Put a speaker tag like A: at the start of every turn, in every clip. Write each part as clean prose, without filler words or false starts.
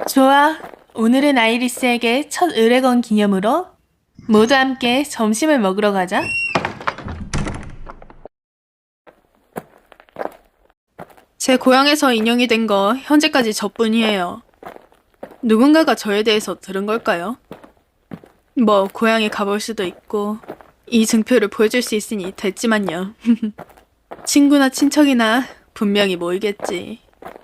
A: 좋아. 오늘은 아이리스에게 첫 의뢰 건 기념으로 모두 함께 점심을 먹으러 가자.
B: 제 고향에서 인형이 된 거 현재까지 저뿐이에요. 누군가가 저에 대해서 들은 걸까요? 뭐 고향에 가볼 수도 있고 이 증표를 보여줄 수 있으니 됐지만요. 친구나 친척이나 분명히 모이겠지.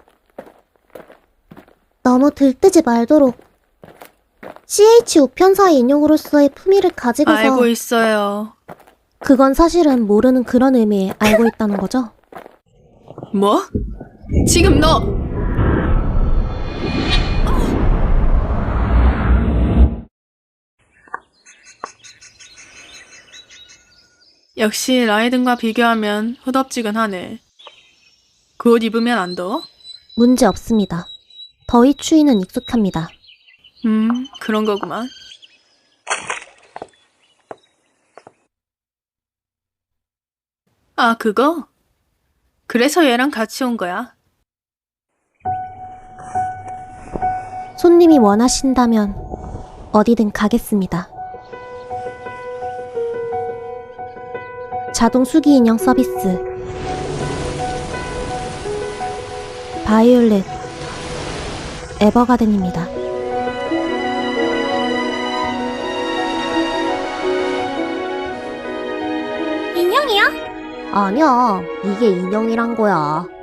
C: 너무 들뜨지 말도록. CH 우편사의 인용으로서의 품위를 가지고서
B: 알고 있어요.
C: 그건 사실은 모르는 그런 의미에 알고 있다는 거죠?
B: 뭐? 지금 너! 역시 라이든과 비교하면 후덥지근하네. 그 옷 입으면 안 더워?
C: 문제 없습니다. 더위 추위는 익숙합니다.
B: 그런 거구만. 아, 그거? 그래서 얘랑 같이 온 거야.
C: 손님이 원하신다면 어디든 가겠습니다. 자동 수기 인형 서비스 바이올렛 에버가든입니다. 인형이야? 아니야, 이게 인형이란 거야.